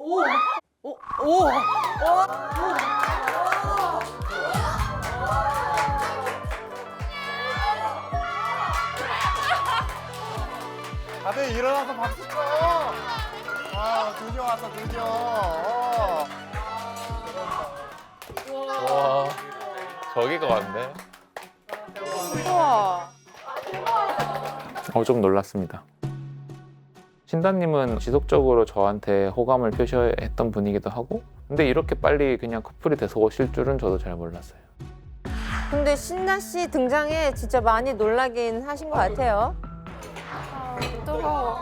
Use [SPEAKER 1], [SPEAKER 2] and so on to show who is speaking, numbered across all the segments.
[SPEAKER 1] 다들 일어나서 박수 쳐. 아, 드디어 왔어, 드디어.
[SPEAKER 2] 와, 저기가 왔네.
[SPEAKER 3] 우와.
[SPEAKER 2] 좀 놀랐습니다. 신다님은 지속적으로 저한테 호감을 표시했던 분이기도 하고, 근데 이렇게 빨리 그냥 커플이 돼서 오실 줄은 저도 잘 몰랐어요.
[SPEAKER 4] 근데 신나 씨 등장에 진짜 많이 놀라긴 하신 것 같아요.
[SPEAKER 3] 뜨거워.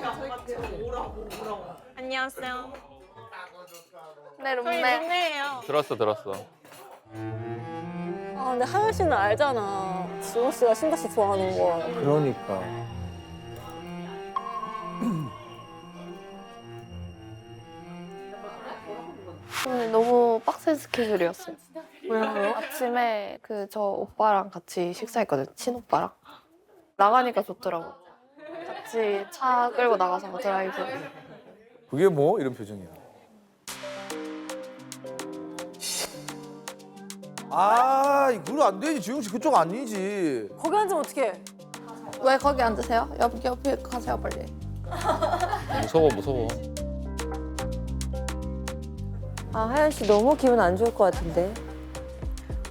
[SPEAKER 3] 안녕하세요. 네, 룸메예요.
[SPEAKER 2] 들었어.
[SPEAKER 5] 아, 근데 하연 씨는 알잖아. 지원 씨가 신다 씨 좋아하는 거.
[SPEAKER 1] 그러니까.
[SPEAKER 3] 오늘 너무 빡센 스케줄이었어요. 왜요? 아침에 저 오빠랑 같이 식사했거든, 친오빠랑. 나가니까 좋더라고. 같이 차 끌고 나가서 드라이브.
[SPEAKER 1] 그게 뭐? 이런 표정이야. 아, 그건 안 되지. 지용 씨 그쪽 아니지.
[SPEAKER 5] 거기 앉으면 어떡해?
[SPEAKER 3] 왜 거기 앉으세요? 옆에 가세요, 빨리.
[SPEAKER 2] 무서워.
[SPEAKER 4] 아, 하연 씨 너무 기분 안 좋을 것 같은데.